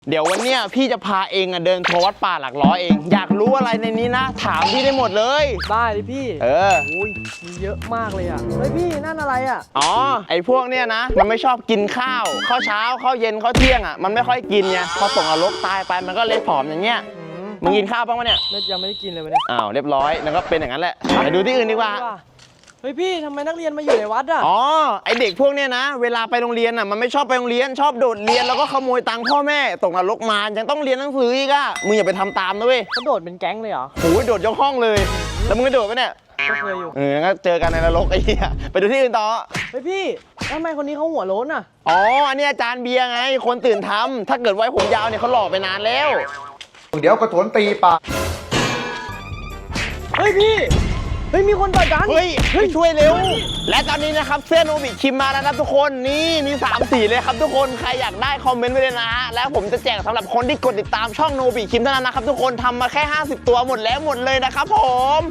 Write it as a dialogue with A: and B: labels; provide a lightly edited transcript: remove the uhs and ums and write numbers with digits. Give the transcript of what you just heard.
A: เดี๋ยววันเนี้ยพี่จะพาเองเดินทัวร์วัดป่าหลักร้อยเองอยากรู้อะไรในนี้นะถามพี่ได้หมดเลย
B: ได้เลยพี่โอ้ยมีเยอะมากเลยอ่ะเฮ้ยพี่นั่นอะไรอ่ะ
A: อ๋อไอ้พวกเนี้ยนะมันไม่ชอบกินข้าวเช้าข้าวเย็นข้าวเที่ยงอ่ะมันไม่ค่อยกินไงพอตกนรกตายไปมันก็เลยผอมอย่างเงี้ยมึงกินข้าวบ้างปะเนี่ย
B: ยังไม่ได้กินเลยวันนี้
A: อ้าวเรียบร้อยแล้วก็เป็นอย่างนั้นแหละไปดูที่อื่นดีกว่า
B: เฮ้ยพี่ทำไมนักเรียนมาอยู่ในวัดอ่ะ
A: อ๋อไอเด็กพวกเนี้ยนะเวลาไปโรงเรียนอ่ะมันไม่ชอบไปโรงเรียนชอบโดดเรียนแล้วก็ขโมยตังค์พ่อแม่ตกนรกมายังต้องเรียนหนังสืออีกอ่ะมึงอย่าไปทำตามนะเว้ย
B: เขาโดดเป็นแก๊งเลยเหรอ
A: โอ้ยโดดยกห้องเลยแล้วมึงก็โดดไปเนี่ย
B: ก็เคยอยู่
A: งั้นเจอกันในนรกไอ้เหี้ยไปดูที่อื่นต่อ
B: เฮ้ยพี่ทำไมคนนี้เขาหัวโล้นอ่ะ
A: อ๋ออันนี้อาจารย์เบียร์ไงคนตื่นทำถ้าเกิดไว้ผมยาวเนี่ยเขาหล่อไปนานแล้ว
C: เดี๋ยวกระโถนตีปาก
B: เฮ้ยพี่เฮ้ยมีคนต่อยกัน
A: เฮ้ยช่วยเร็วและตอนนี้นะครับเสื้อโนบิคิมมาแล้วนะทุกคนนี่มี3 สีเลยครับทุกคนใครอยากได้คอมเมนต์ไว้เลยนะฮะแล้วผมจะแจกสำหรับคนที่กดติดตามช่องโนบิคิมเท่านั้นนะครับทุกคนทำมาแค่50 ตัวหมดแล้วหมดเลยนะครับผม